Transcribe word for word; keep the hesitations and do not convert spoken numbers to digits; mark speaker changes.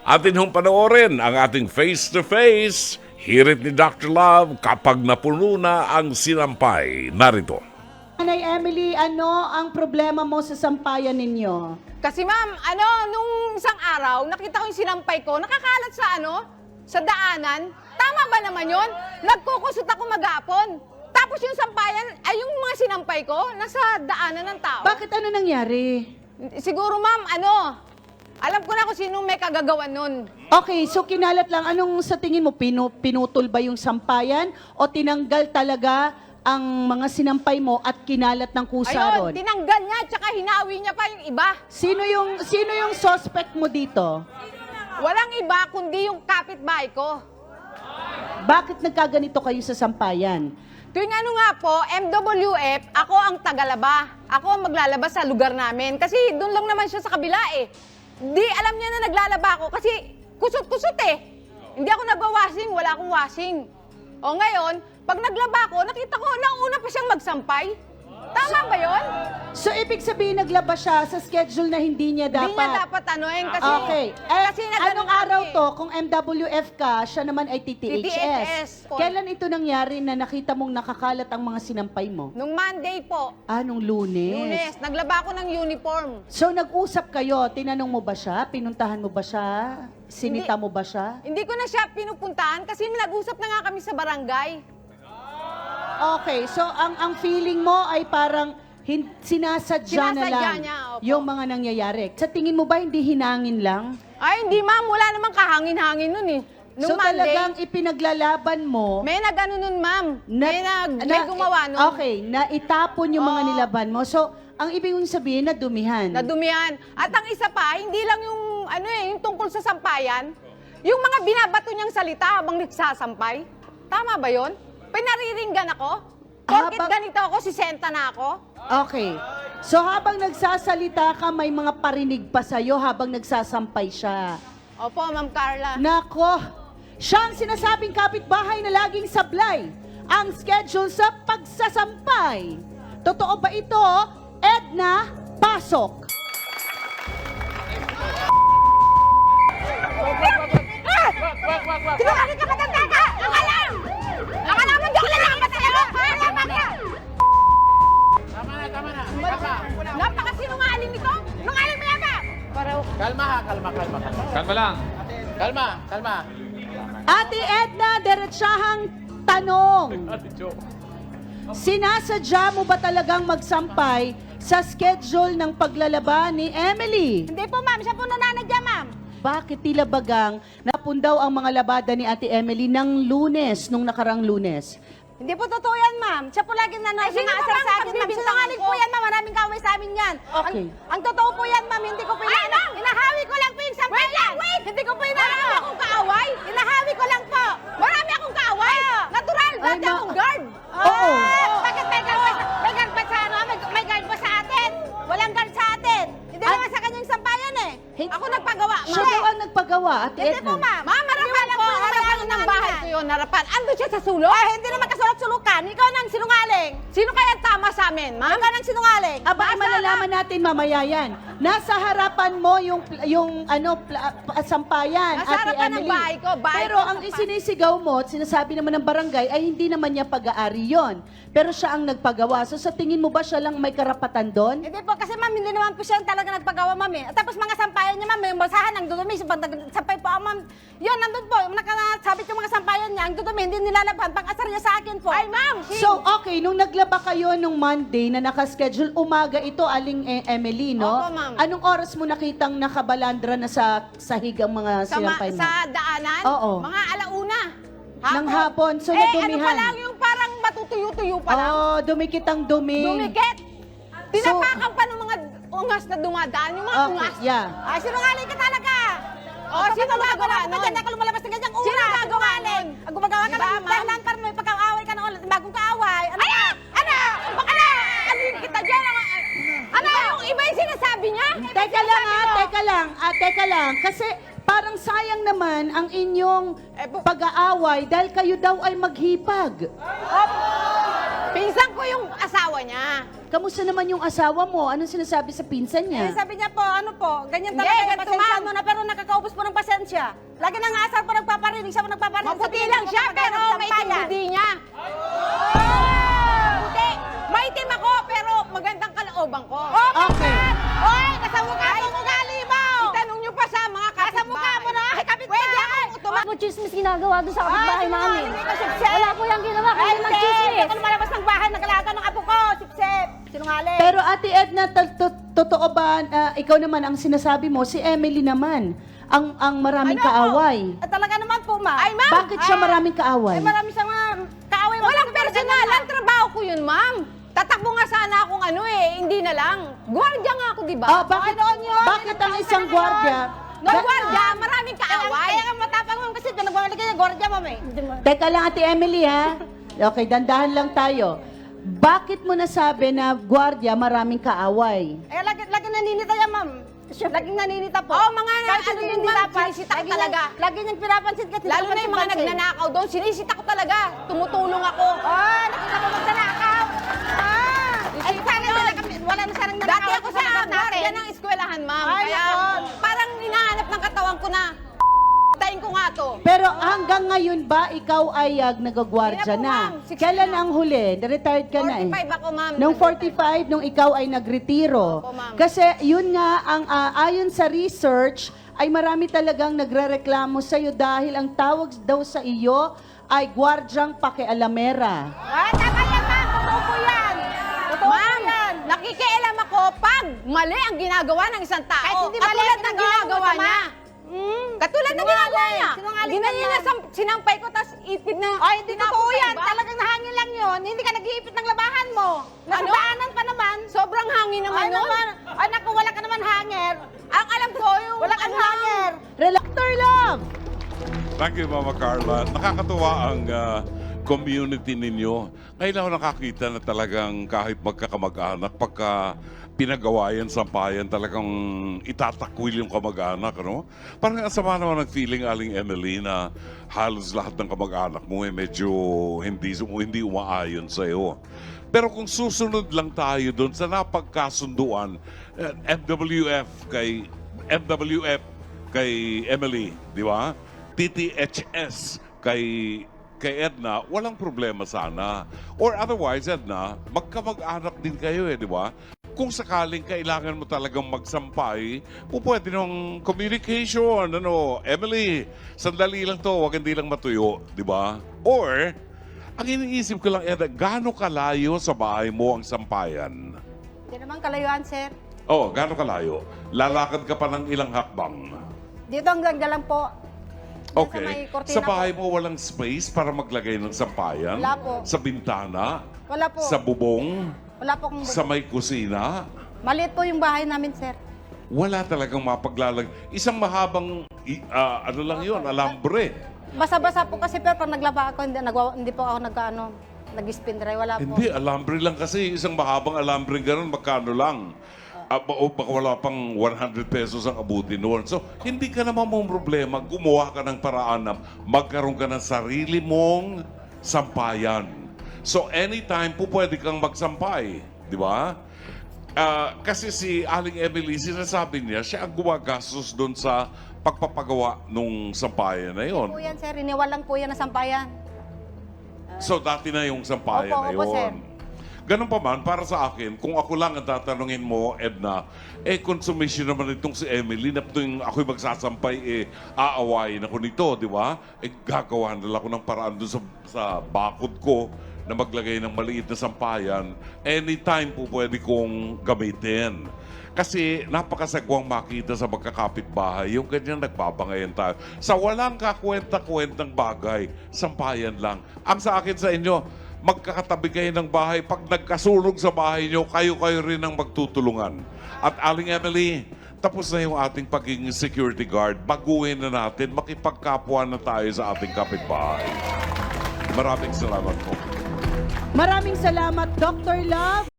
Speaker 1: Atin hong panoorin ang ating face-to-face hirit ni Doctor Love kapag napuno na ang sinampay. Narito.
Speaker 2: Nanay Emily, ano ang problema mo sa sampayan ninyo?
Speaker 3: Kasi ma'am, ano, nung isang araw, nakita ko yung sinampay ko, nakakalat sa ano, sa daanan. Tama ba naman yun? Nagkukusot ako maghapon. Tapos yung sampayan, ay yung mga sinampay ko, nasa daanan ng tao.
Speaker 2: Bakit ano nangyari?
Speaker 3: Siguro ma'am, ano, alam ko na kung sino may kagagawan nun.
Speaker 2: Okay, so kinalat lang. Anong sa tingin mo? Pinu pinutol ba yung sampayan? O tinanggal talaga ang mga sinampay mo at kinalat ng kusa
Speaker 3: Ayun,
Speaker 2: ron?
Speaker 3: tinanggal niya, tsaka hinawi niya pa yung iba.
Speaker 2: Sino yung, sino yung suspect mo dito?
Speaker 3: Walang iba, kundi yung kapitbahay ko.
Speaker 2: Bakit nagkaganito kayo sa sampayan?
Speaker 3: Tuwing ano nga po, M W F, ako ang tagalaba. Ako ang maglalaba sa lugar namin. Kasi doon lang naman siya sa kabila eh. Di alam niya na naglalaba ako kasi kusot-kusot eh. Hindi ako nagwa-washing, wala akong washing. O ngayon, pag naglaba ako, nakita ko, nauna pa siyang magsampay. Tama ba yun?
Speaker 2: So, ibig sabihin naglaba siya sa schedule na hindi niya dapat?
Speaker 3: Hindi niya dapat ano eh, kasi...
Speaker 2: Okay. Eh,
Speaker 3: kasi nagano
Speaker 2: anong
Speaker 3: kami
Speaker 2: araw
Speaker 3: eh.
Speaker 2: to? Kung M W F ka, siya naman ay T T H S.
Speaker 3: T T H S.
Speaker 2: Kailan ito nangyari na nakita mong nakakalat ang mga sinampay mo?
Speaker 3: Nung Monday po,
Speaker 2: Ah, nung Lunes.
Speaker 3: Lunes, naglaba ako ng uniform.
Speaker 2: So, nag-usap kayo, tinanong mo ba siya? Pinuntahan mo ba siya? Sinita
Speaker 3: Hindi.
Speaker 2: mo ba siya?
Speaker 3: Hindi ko na siya pinupuntahan kasi nag-usap na nga kami sa barangay.
Speaker 2: Okay, so ang ang feeling mo ay parang hin- sinasadya, na
Speaker 3: Sinasadya
Speaker 2: lang
Speaker 3: niya, opo.
Speaker 2: yung mga nangyayari. Sa tingin mo ba hindi hinangin lang?
Speaker 3: Ay, hindi ma'am, wala namang kahangin-hangin nun eh.
Speaker 2: So
Speaker 3: Nung Monday,
Speaker 2: talagang ipinaglalaban mo
Speaker 3: may nag-ano nun ma'am. may nag, may
Speaker 2: na-
Speaker 3: gumawa nun.
Speaker 2: Okay, na itapon yung mga
Speaker 3: Oo.
Speaker 2: nilaban mo. So, ang ibig mong sabihin na dumihan.
Speaker 3: Nadumihan. At ang isa pa, hindi lang yung, ano eh, yung tungkol sa sampayan, yung mga binabato niyang salita habang nagsasampay. Tama ba yun? Pinariringgan ako? Bakit
Speaker 2: Habang-
Speaker 3: ganito ako? Sisenta na ako?
Speaker 2: Okay. So habang nagsasalita ka, may mga parinig pa sa'yo habang nagsasampay siya.
Speaker 3: Opo, Ma'am Carla.
Speaker 2: Nako, siya ang sinasabing kapitbahay na laging sablay ang schedule sa pagsasampay. Totoo ba ito, Edna? Pasok.
Speaker 3: Sinungaling ka, matanda ka! Akalam! Akalam mo, di ako lalaman sa'yo! Lalaman ka!
Speaker 4: Tama na, tama na. Tama.
Speaker 3: Napakasinungaling nito! Nungaling mo yan ba?
Speaker 4: Kalma ha, kalma, kalma, kalma.
Speaker 5: Kalma lang.
Speaker 4: Kalma, kalma.
Speaker 2: Ate Edna, diretsahang tanong. Sinasadya mo ba talagang magsampay sa schedule ng paglalaba ni Emily?
Speaker 3: Hindi po, ma'am. Siya po nananadya, ma'am.
Speaker 2: Bakit tila bagang napundaw ang mga labada ni Ate Emily ng Lunes, nung nakarang Lunes?
Speaker 3: Hindi po totoo yan, ma'am. Siya po lagi na
Speaker 6: Ay, sino ba
Speaker 3: sumasar
Speaker 6: bang
Speaker 3: sa akin, ma'am.
Speaker 6: pagbibintangan
Speaker 3: Sinungaling
Speaker 6: ko?
Speaker 3: po yan, ma'am. Maraming kaway sa amin yan.
Speaker 2: Okay.
Speaker 3: Ang, ang totoo po yan, ma'am. Hindi ko po
Speaker 6: Ay,
Speaker 3: yan.
Speaker 6: ma'am!
Speaker 3: Inahawi ko lang po yung sampay yan. Wait! Hindi ko po inahawi
Speaker 6: Ano?
Speaker 3: akong kaaway. Inahawi ko lang po. Marami akong kaaway. Natural.
Speaker 2: Ay,
Speaker 3: Dati
Speaker 2: ma-
Speaker 3: akong guard.
Speaker 2: Oo.
Speaker 3: Ah, Bakit may guard ba sa, may guard ba sa ano? May, may guard ba sa atin? Walang guard sa atin. Hindi
Speaker 2: At-
Speaker 3: naman sa kanyang sampayan eh.
Speaker 2: Hin-
Speaker 3: Ako nagpagawa, ma'am.
Speaker 2: Siya daw ang nagpagawa, Ate
Speaker 3: Hindi
Speaker 2: Edna.
Speaker 3: po, ma'am. Ma'am, harapan po. Harapan ng bahay ko yun, harapan. Ando siya sa sulok? Ay, hindi naman kasulat-sulukan. Ikaw nang sinungaling. Sino kaya tama sa amin, ma'am? Ikaw nang sinungaling.
Speaker 2: Aba, ay
Speaker 3: Nasa-
Speaker 2: malalaman natin mamaya yan. Nasa harapan mo yung, pl- yung ano, pla- pa- sampayan,
Speaker 3: Nasa
Speaker 2: Ate
Speaker 3: harapan ng
Speaker 2: Emily.
Speaker 3: bahay ko, bahay
Speaker 2: Pero
Speaker 3: ko,
Speaker 2: ang
Speaker 3: sampa-
Speaker 2: isinisigaw mo at sinasabi naman ng barangay ay hindi naman niya pag-aari yon. Pero siya ang nagpagawa. So sa tingin mo ba siya lang may karapatan doon?
Speaker 3: Hindi po, kasi ma'am, hindi naman po siya talaga nagpagawa, ma'am eh. At tapos mga sampayan niya, ma'am, yung basahan, ang dudumi. So, pag nag- sampay po, ah, ma'am, yun, nandun po, nakasabit yung mga sampayan niya, ang dudumi, hindi nilalabhan. Pag-asar niya sa akin po. Ay, ma'am!
Speaker 2: So, okay, nung naglaba kayo nung Monday na nakaschedule, umaga ito, Aling E- Emily, no?
Speaker 3: Opo, ma'am.
Speaker 2: Anong oras mo nakitang nakabalandra na sa sahig ang mga
Speaker 3: sa, ma-
Speaker 2: sinampay mo?
Speaker 3: sa daanan,
Speaker 2: Oo.
Speaker 3: mga alauna.
Speaker 2: Ng hapon, so
Speaker 3: eh, ano
Speaker 2: nadumihan.
Speaker 3: pa lang yung parang matutuyo-tuyo pa lang.
Speaker 2: Oh, dumikit ang dumi.
Speaker 3: Dumikit. Tinapakan pa ng mga ungas na dumadaan. Yung mga
Speaker 2: Okay,
Speaker 3: ungas.
Speaker 2: yeah.
Speaker 3: Ay, sinungaling ka talaga. Oh, sino gagawa nun? Diyan ka lumalabas ng ganyang ura. Sino gagawa nun? Ang gumagawa ka
Speaker 6: Diba,
Speaker 3: lang,
Speaker 6: ma'am?
Speaker 3: dahilan para may pagkaaway ka na ulit, bagong kaaway. Ano? Ano? Ano? Ano? Ano kita dyan? Ano? Yung iba yung sinasabi niya?
Speaker 2: Teka lang ha, teka lang. Ah, teka lang. Kasi parang sayang naman ang inyong
Speaker 3: Eh, bu-
Speaker 2: pag-aaway dahil kayo daw ay maghipag.
Speaker 3: Pinsan ko yung asawa niya.
Speaker 2: Kamusta naman yung asawa mo? Anong sinasabi sa pinsan
Speaker 3: Eh,
Speaker 2: niya?
Speaker 3: sabi niya po, ano po, ganyan
Speaker 6: Hindi,
Speaker 3: talaga,
Speaker 6: ganito,
Speaker 3: pasensya
Speaker 6: ma'am.
Speaker 3: mo na, pero nakakaubos po ng pasensya
Speaker 5: siya. Lagi nang asar pa nagpaparinig siya, nagpaparinig.
Speaker 3: Maputi lang siya, pero maitim hindi niya. Puti. Maitim ako, pero magandang kalooban ko.
Speaker 2: Okay.
Speaker 5: Oy, nasa mukha mo ugali mo!
Speaker 3: Itanong niyo pa sa mga kapitbahay.
Speaker 5: Nasa mukha mo na, ay kapit
Speaker 3: Pwede akong utuma.
Speaker 6: Ako chismis ginagawa doon sa kapitbahay
Speaker 5: Ay,
Speaker 6: namin.
Speaker 5: hindi ko sipsip.
Speaker 6: Wala po yung ginawa, kaya
Speaker 5: Ay,
Speaker 6: naman
Speaker 5: hindi!
Speaker 6: chismis.
Speaker 5: Ako lumalabas ng bahay, nagalaga ng apo ko, sipsip. Sinungaling.
Speaker 2: Pero Ate Edna, to- to- totoo ba, ah, ikaw naman ang sinasabi mo, si Emily naman, ang ang maraming
Speaker 5: Ano
Speaker 2: kaaway.
Speaker 5: po? Ah, talaga naman po, ma'am.
Speaker 3: Ay, ma'am.
Speaker 2: Bakit siya
Speaker 5: Ah,
Speaker 2: maraming kaaway?
Speaker 5: Ay, marami siyang mga kaaway.
Speaker 3: Walang personal. Ang trabaho ko yun, ma'am. Tatakbo nga sana akong ano eh, hindi na lang. Gwardiya nga ako, di ba?
Speaker 2: Ah, bakit,
Speaker 5: Ay, noon yun.
Speaker 2: bakit ang
Speaker 5: Ay,
Speaker 2: isang
Speaker 5: noon.
Speaker 2: gwardiya?
Speaker 3: No,
Speaker 2: Ga-
Speaker 3: gwardiya, maraming
Speaker 5: Kaya,
Speaker 3: kaaway.
Speaker 5: kaya ka matapang, ma'am, kasi nagwawala ka niya, gwardiya, ma'am eh.
Speaker 2: Teka lang, Ate Emily, ha? Okay, dandahan lang tayo. Bakit mo nasabi na gwardiya maraming kaaway?
Speaker 5: Ay, lagi, lagi naninita yan, ma'am. Laging naninita po.
Speaker 3: Oo, mga na-
Speaker 5: Kahit
Speaker 3: ano
Speaker 5: hindi
Speaker 3: yun,
Speaker 5: dapat,
Speaker 3: ma'am, sinisita ko
Speaker 5: lagi
Speaker 3: talaga.
Speaker 5: niyang- Lagi niyang pinapansin kasi
Speaker 3: Lalo na yung mga nagnanakaw doon, sinisita ko talaga. Tumutulong ako.
Speaker 5: Oh, nakita mo magdanakaw. Ah, ay, sana wala, kami, wala na sanang nanakaw.
Speaker 3: Dati ako sa gwardiya ng eskwelahan, ma'am.
Speaker 5: Ay,
Speaker 3: Kaya
Speaker 5: nako.
Speaker 3: parang hinahanap ng katawan ko na tayin ko nga to.
Speaker 2: Pero hanggang ngayon ba ikaw ay uh, nagagwardya
Speaker 3: Hindi
Speaker 2: na?
Speaker 3: na po, ma'am. sixty
Speaker 2: Kailan
Speaker 3: na.
Speaker 2: ang huli? Na-retired ka na eh.
Speaker 3: forty-five ako, ma'am.
Speaker 2: Nung forty-five, nung ikaw ay nagretiro.
Speaker 3: Opo, ma'am.
Speaker 2: Kasi yun nga, ang ah, ayon sa research, ay marami talagang nagrereklamo sa'yo dahil ang tawag daw sa iyo ay gwardyang pakialamera.
Speaker 5: Ah, tama yan, ma'am. Totoo po yan. Totoo po
Speaker 3: Ma'am,
Speaker 5: yan.
Speaker 3: nakikialam ako pag mali ang ginagawa ng isang tao.
Speaker 5: Kahit hindi mali
Speaker 3: Katulad
Speaker 5: ang
Speaker 3: ng
Speaker 5: ginagawa
Speaker 3: ginagawa
Speaker 5: mo,
Speaker 3: niya.
Speaker 5: Mm.
Speaker 3: Katulad ng
Speaker 5: Sinungaling.
Speaker 3: ginagawa niya.
Speaker 5: Sinungaling
Speaker 3: Ginanyan
Speaker 5: yan,
Speaker 3: niya,
Speaker 5: ma'am.
Speaker 3: sam- sinampay ko, tapos ipid na.
Speaker 5: Ay, hindi
Speaker 3: tinapon
Speaker 5: totoo
Speaker 3: sa
Speaker 5: yan.
Speaker 3: iba.
Speaker 5: Talagang hangin lang yun. Hindi ka nag-iipit ng labahan mo. Nasa
Speaker 3: Ano?
Speaker 5: daanan pa naman.
Speaker 3: Sobrang hangin naman
Speaker 5: Ay,
Speaker 3: nun.
Speaker 5: naman. Ay, naku, wala ka naman hanger.
Speaker 3: Ang alam ko, yung
Speaker 5: Wala kang
Speaker 3: ano lang,
Speaker 5: hanger.
Speaker 2: Doctor Love!
Speaker 1: Thank you, Mama Carla. Nakakatuwa ang ah, community ninyo. Ngayon ako nakakita na talagang kahit magkakamag-anak, pagka pinagawayan, sampayan, talagang itatakwil yung kamag-anak, ano? Parang ang sama naman ng feeling, Aling Emily, na halos lahat ng kamag-anak mo eh medyo hindi, hindi umaayon sa'yo. Pero kung susunod lang tayo doon sa napagkasunduan, eh, M W F kay M W F kay Emily, di ba? T T H S kay kay Edna, walang problema sana. Or otherwise, Edna, magkamag-anak din kayo eh, di ba? Kung sakaling kailangan mo talagang magsampay, po pwede ng communication, ano, Emily, sandali lang to, wag hindi lang matuyo, di ba? Or, ang iniisip ko lang, Edna, gaano kalayo sa bahay mo ang sampayan?
Speaker 5: Hindi naman kalayuan, sir.
Speaker 1: Oh, gaano kalayo? Lalakad ka pa ng ilang hakbang.
Speaker 5: Dito hanggang dyan lang po.
Speaker 1: Okay.
Speaker 5: may kortina
Speaker 1: Sa bahay mo walang space para maglagay ng sampayan?
Speaker 5: Wala po.
Speaker 1: Sa bintana?
Speaker 5: Wala po.
Speaker 1: Sa bubong?
Speaker 5: Wala po akong...
Speaker 1: Sa may kusina?
Speaker 5: Maliit po yung bahay namin, sir.
Speaker 1: Wala talagang mapaglalag. Isang mahabang, i- ah, ano lang yun, alambre.
Speaker 5: Basa-basa po kasi, pero pag naglaba ako, hindi, nagwa, hindi po ako nag-ano, nag-spin dry. Wala po.
Speaker 1: Hindi, alambre lang kasi. Isang mahabang alambre ganun, magkano lang? Ah, ba- o baka wala pang one hundred pesos ang abuti noon. So, hindi ka naman mong problema. Gumawa ka ng paraan na magkaroon ka ng sarili mong sampayan. So, anytime po pwede kang magsampay. Di ba? Ah, kasi si Aling Emily, sinasabi niya, siya ang gumagastos doon sa pagpapagawa nung sampayan na yon.
Speaker 5: Po yan, sir. Iniwal lang po yan na sampayan.
Speaker 1: So, dati na yung sampayan
Speaker 5: Opo,
Speaker 1: na
Speaker 5: opo, sir.
Speaker 1: yun. Ganun pa man, para sa akin, kung ako lang ang tatanungin mo, Edna, eh, consummation naman itong si Emily, na tuwing ako'y magsasampay, eh, aawayin ako nito, di ba? Eh, gagawa na lang ako ng paraan doon sa, sa bakod ko na maglagay ng maliit na sampayan. Anytime po pwede kong gamitin. Kasi napakasagwang makita sa magkakapitbahay, yung ganyan nagbabangayan tayo. Sa walang kakwenta-kwentang bagay, sampayan lang. Ang sa akin sa inyo, magkakatabi kayo ng bahay. Pag nagkasulog sa bahay nyo, kayo-kayo rin ang magtutulungan. At Aling Emily, tapos na yung ating pagiging security guard. Baguhin na natin, makipagkapwa na tayo sa ating kapitbahay. Maraming salamat po.
Speaker 2: Maraming salamat, Doctor Love.